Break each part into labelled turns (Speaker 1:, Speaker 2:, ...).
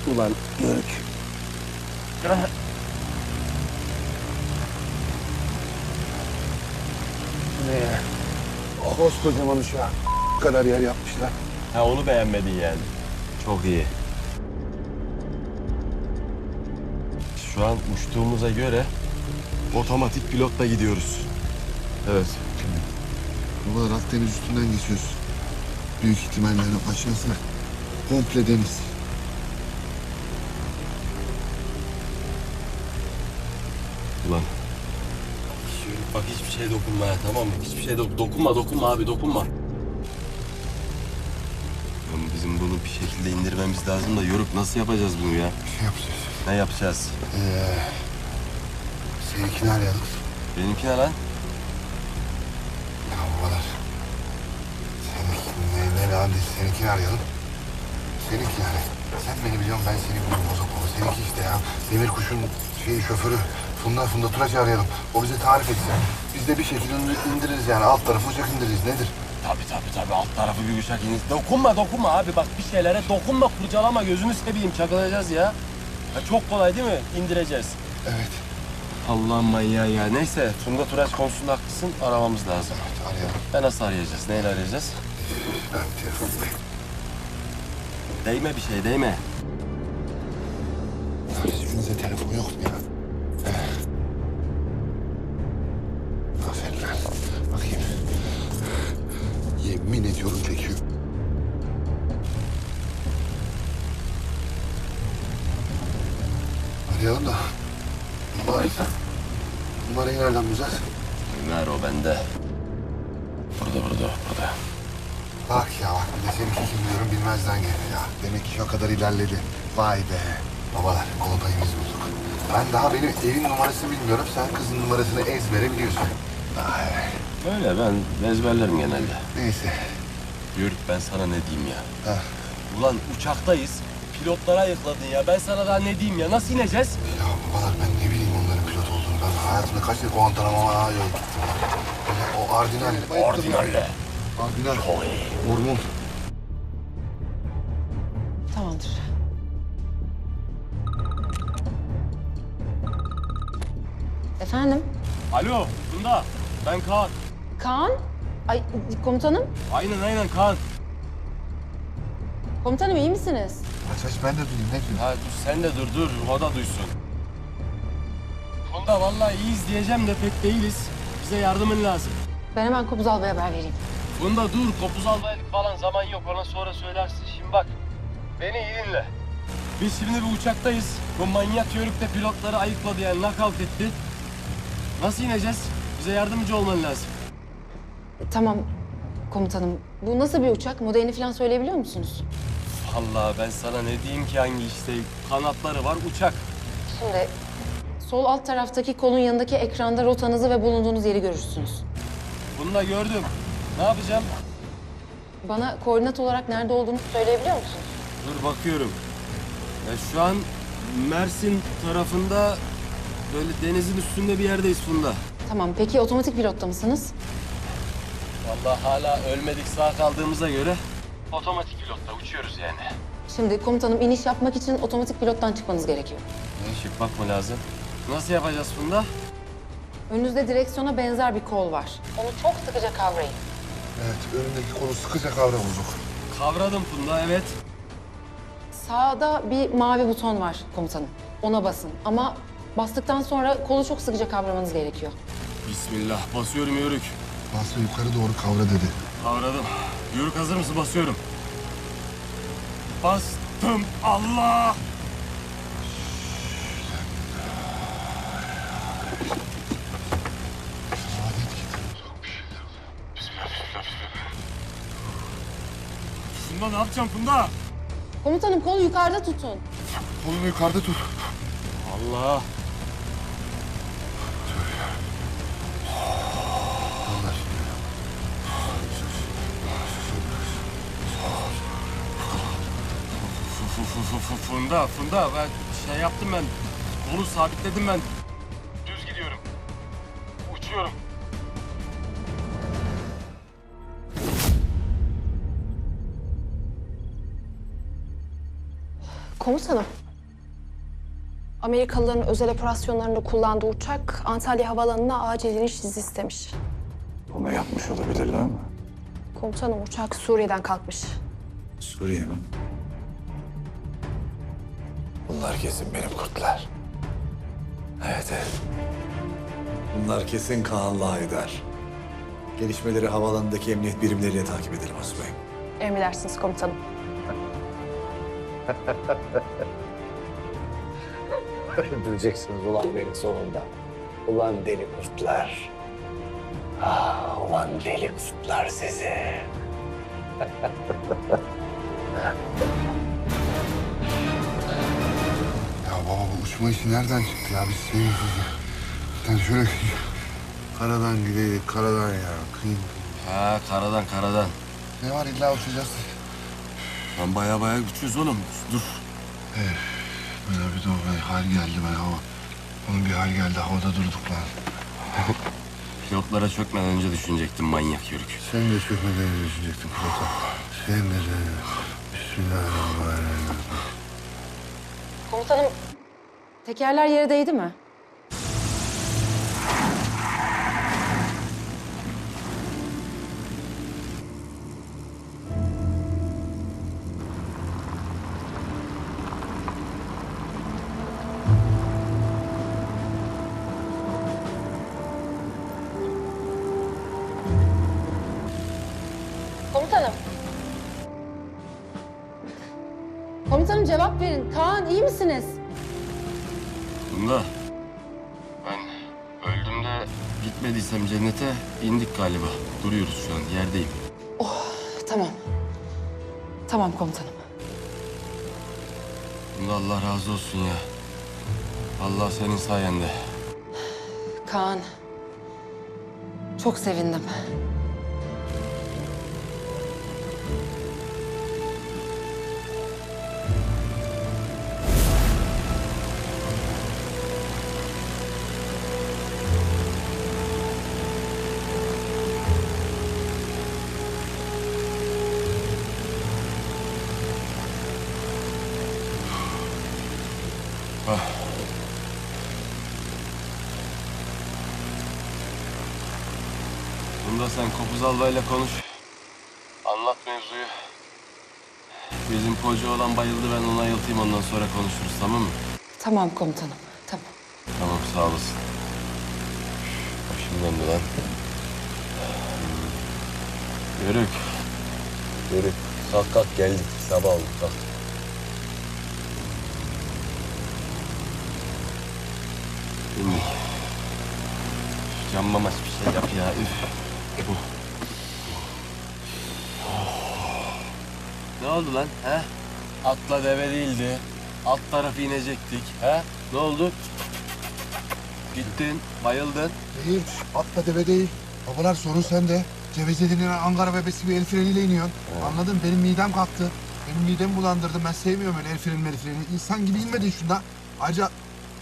Speaker 1: Ulan Yörük. Ne ya? Koskocaman uçağa kadar yer yapmışlar.
Speaker 2: Ha onu beğenmedin yani. Çok iyi. Şu an uçtuğumuza göre otomatik pilotla gidiyoruz. Evet.
Speaker 3: Babalar Akdeniz üstünden geçiyoruz. Büyük ihtimalle aşağısı komple deniz.
Speaker 2: Ulan. Bak hiçbir şeye dokunma ya, tamam mı? Hiçbir şeye dokunma abi, dokunma. Oğlum bizim bunu bir şekilde indirmemiz lazım da Yoruk nasıl yapacağız bunu ya?
Speaker 3: Bir şey yapacağız.
Speaker 2: Ne yapacağız?
Speaker 3: Seninkini arayalım.
Speaker 2: Benimki ne lan?
Speaker 3: Ya babalar. Ne lan değil. Seninkini arayalım. Seninki yani. Sen beni biliyorsun, ben seni biliyorum bozuk baba. Seninki işte ya. Demir kuşun şoförü. Funda Turaç'ı arayalım. O bize tarif etsin. Biz de bir şekilde indiririz yani. Alt tarafı uçak indiririz. Nedir?
Speaker 2: Tabii. Alt tarafı bir uçak iniz. Dokunma abi. Bak bir şeylere dokunma, kurcalama. Gözünü seveyim. Çakılacağız ya. Ya çok kolay değil mi? İndireceğiz.
Speaker 3: Evet.
Speaker 2: Allah'ım manyağı ya. Neyse Funda Turaç konusunda haklısın. Aramamız lazım.
Speaker 3: Evet, arayalım.
Speaker 2: Nasıl arayacağız? Neyle arayacağız?
Speaker 3: Ben telefondayım.
Speaker 2: Değme bir şey, değme.
Speaker 3: Hiçbirinizde telefon yok mu ya? Aferin lan. Bakayım. Yemin ediyorum çekiyor. Arayalım da. Numarayı nereden bulacağız?
Speaker 2: Ver o bende. Burada.
Speaker 3: Bak bir de seninki kim diyorum bilmezden geldi ya. Demek ki o kadar ilerledi. Vay be. Babalar kolpayımız bulduk. Ben daha benim evin numarasını bilmiyorum. Sen kızın numarasını ezbere biliyorsun.
Speaker 2: Öyle ben ezberlerim genelde.
Speaker 3: Neyse.
Speaker 2: Yörük ben sana ne diyeyim ya?
Speaker 3: Heh.
Speaker 2: Ulan uçaktayız. Pilotlara ayıkladın ya. Ben sana daha ne diyeyim ya? Nasıl ineceğiz?
Speaker 3: Ya babalar ben ne bileyim onların pilot olduğunu. Ben hayatımda kaç kere Guantanamo'ya yol gittim. O Ardinal.
Speaker 2: Ordinalle.
Speaker 3: Ardinal. Hormon.
Speaker 4: Tamamdır. Efendim?
Speaker 2: Alo Funda. Ben Kaan.
Speaker 4: Kaan? Ay komutanım.
Speaker 2: Aynen Kaan.
Speaker 4: Komutanım iyi misiniz?
Speaker 3: Aç ben de duyayım ne diyorsun?
Speaker 2: Ha dur sen de dur. O da duysun. Funda vallahi iyiyiz diyeceğim de pek değiliz. Bize yardımın lazım.
Speaker 4: Ben hemen Kopuz Alba'ya haber vereyim.
Speaker 2: Funda dur. Kopuz almaylık falan zaman yok. Ona sonra söylersin. Şimdi bak. Beni iyi dinle. Biz şimdi bir uçaktayız. Bu manyak Yörük de pilotları ayıkladı yani knockout etti. Nasıl ineceğiz? Bize yardımcı olman lazım.
Speaker 4: Tamam komutanım. Bu nasıl bir uçak? Modelini falan söyleyebiliyor musunuz?
Speaker 2: Vallahi ben sana ne diyeyim ki hangi işte kanatları var uçak.
Speaker 4: Şimdi sol alt taraftaki kolun yanındaki ekranda rotanızı ve bulunduğunuz yeri görürsünüz.
Speaker 2: Bunu da gördüm. Ne yapacağım?
Speaker 4: Bana koordinat olarak nerede olduğunu söyleyebiliyor musunuz?
Speaker 2: Dur bakıyorum. Ya şu an Mersin tarafında böyle denizin üstünde bir yerdeyiz Funda.
Speaker 4: Tamam. Peki otomatik pilotta mısınız?
Speaker 2: Vallahi hala ölmedik sağ kaldığımıza göre otomatik pilotta uçuyoruz yani.
Speaker 4: Şimdi komutanım iniş yapmak için otomatik pilottan çıkmanız gerekiyor.
Speaker 2: Işık bakma lazım. Nasıl yapacağız Funda?
Speaker 4: Önünüzde direksiyona benzer bir kol var. Onu çok sıkıca kavrayın.
Speaker 3: Evet önündeki kolu sıkıca kavra bozuk.
Speaker 2: Kavradım Funda evet.
Speaker 4: Sağda bir mavi buton var komutanım. Ona basın ama bastıktan sonra kolu çok sıkıca kavramanız gerekiyor.
Speaker 2: Bismillah basıyorum Yörük.
Speaker 3: Basra yukarı doğru kavra dedi.
Speaker 2: Kavradım. Yörük hazır mısın? Basıyorum. Bastım. Allah! Funda ne yapacağım Funda?
Speaker 4: Komutanım kolu yukarıda tutun.
Speaker 3: Kolunu yukarıda tut.
Speaker 2: Allah!
Speaker 3: Onlar.
Speaker 2: Funda ben şey yaptım ben. Kolu sabitledim ben. Düz gidiyorum. Uçuyorum.
Speaker 4: Komutanım. Amerikalıların özel operasyonlarında kullandığı uçak Antalya Havaalanı'na acil iniş izni istemiş.
Speaker 1: Bunu yapmış olabilirler mi?
Speaker 4: Komutanım uçak Suriye'den kalkmış.
Speaker 1: Suriye mi? Bunlar kesin benim kurtlar. Evet, evet. Bunlar kesin Kaan'la Haydar. Gelişmeleri havaalanındaki emniyet birimleriyle takip edelim Asubayım.
Speaker 4: Emredersiniz komutanım.
Speaker 5: Öldüreceksiniz ulan beni sonunda. Ulan deli kurtlar. Ah, ulan deli kurtlar sizi.
Speaker 3: Ya baba bu uçma işi nereden çıktı ya? Biz yani şöyle karadan gideydik, karadan ya. Kıyım.
Speaker 2: Ha karadan.
Speaker 3: Ne var illa uçacağız.
Speaker 2: Lan baya güçlüyüz oğlum. Dur.
Speaker 3: Böyle bir de hal geldi ben hava. Onun bir hal geldi havada durduk lan.
Speaker 2: Pilotlara çökmeden önce düşünecektim manyak yörük.
Speaker 3: Sen de çökmeden düşecektin pilota. Sen de. Bismillahirrahmanirrahim.
Speaker 4: Komutanım, tekerler yere değdi mi? Komutanım. Komutanım cevap verin. Kaan iyi misiniz?
Speaker 2: Bunda ben öldüğümde gitmediysem cennete indik galiba. Duruyoruz şu an yerdeyim.
Speaker 4: Tamam. Tamam komutanım.
Speaker 2: Bunda Allah razı olsun ya. Allah senin sayende.
Speaker 4: Kaan. Çok sevindim.
Speaker 2: Bunda sen Kopuz Albay'la konuş. Anlat mevzuyu. Bizim koca olan bayıldı, ben onu ayıltayım, ondan sonra konuşuruz, tamam mı?
Speaker 4: Tamam komutanım. Tamam.
Speaker 2: Tamam, sağ olasın. Başım döndü lan. Yörük. Yörük. Kalk geldik. Sabah oldu, kalk. İndik. Can mamaç bir şey yap ya, üf. Ne oldu lan, he? Atla deve değildi. Alt tarafı inecektik, he? Ne oldu? Gittin, bayıldın.
Speaker 3: Değil, atla deve değil. Babalar sorun sende. Cevize Ankara bebesi bir el freniyle iniyorsun. Anladın? Benim midem kalktı. Benim midemi bulandırdı. Ben sevmiyorum öyle el freni. İnsan gibi inmedin şunda. Ayrıca...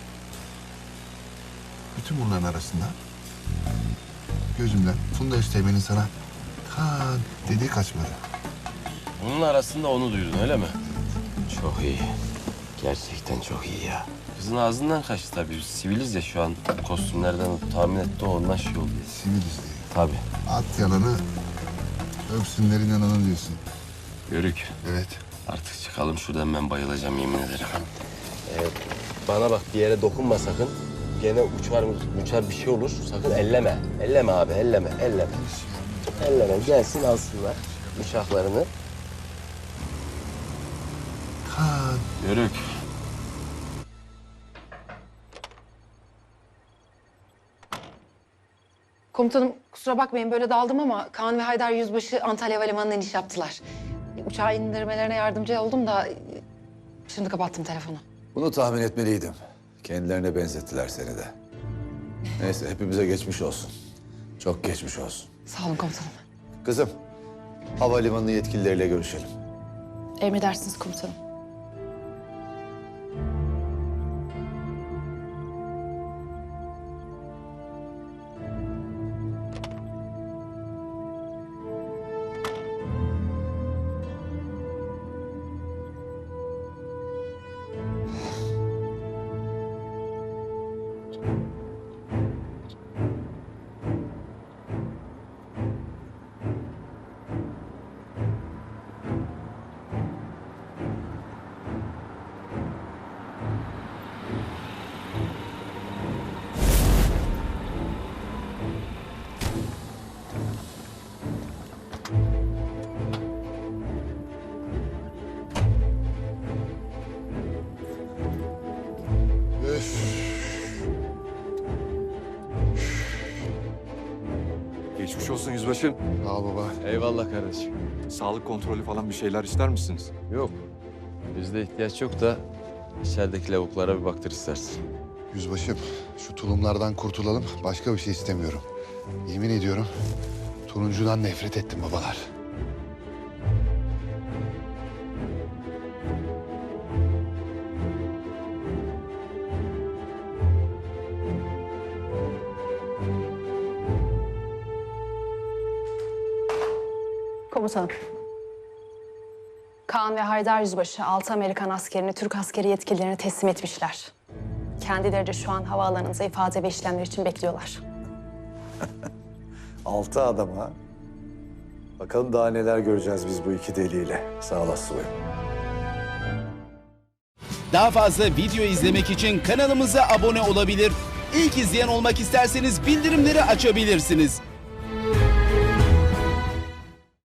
Speaker 3: Bütün bunların arasında... Gözümle Funda Üsteğmen'in sana... Kaan dediği kaçmadı.
Speaker 2: Bunun arasında onu duydun, öyle mi? Çok iyi. Gerçekten çok iyi ya. Kızın ağzından kaçtı tabii. Biz siviliz ya şu an. Kostümlerden tahmin etti, o ondan şey oldu.
Speaker 3: Siviliz diye.
Speaker 2: Tabii.
Speaker 3: At yalanı, öpsünler inananı diyorsun.
Speaker 2: Yörük.
Speaker 3: Evet.
Speaker 2: Artık çıkalım şuradan, ben bayılacağım yemin ederim. Bana bak, bir yere dokunma sakın. Gene uçar bir şey olur. Sakın elleme. Elleme abi, elleme. Elleme. Gelsin alsınlar uçaklarını.
Speaker 3: Kaan.
Speaker 2: Yörük.
Speaker 4: Komutanım kusura bakmayın böyle daldım ama Kaan ve Haydar Yüzbaşı Antalya Havalimanı'na iniş yaptılar. Uçağı indirmelerine yardımcı oldum da şimdi kapattım telefonu.
Speaker 1: Bunu tahmin etmeliydim. Kendilerine benzettiler seni de. Neyse hepimize geçmiş olsun. Çok geçmiş olsun.
Speaker 4: Sağ olun komutanım.
Speaker 1: Kızım, havalimanı yetkilileriyle görüşelim.
Speaker 4: Emredersiniz komutanım.
Speaker 6: olsun yüzbaşım.
Speaker 3: Sağ ol baba.
Speaker 2: Eyvallah kardeşim.
Speaker 6: Sağlık kontrolü falan bir şeyler ister misiniz?
Speaker 2: Yok. Bizde ihtiyaç yok da içerideki lavuklara bir baktır istersin.
Speaker 3: Yüzbaşım, şu tulumlardan kurtulalım. Başka bir şey istemiyorum. Yemin ediyorum, turuncudan nefret ettim babalar.
Speaker 7: Komutanım. Kaan ve Haydar Yüzbaşı 6 Amerikan askerini Türk askeri yetkililerine teslim etmişler. Kendileri de şu an havaalanında ifade ve işlemler için bekliyorlar.
Speaker 1: 6 adam ha. Bakalım daha neler göreceğiz biz bu iki deliyle. Sağ olasın.
Speaker 8: Daha fazla video izlemek için kanalımıza abone olabilir. İlk izleyen olmak isterseniz bildirimleri açabilirsiniz.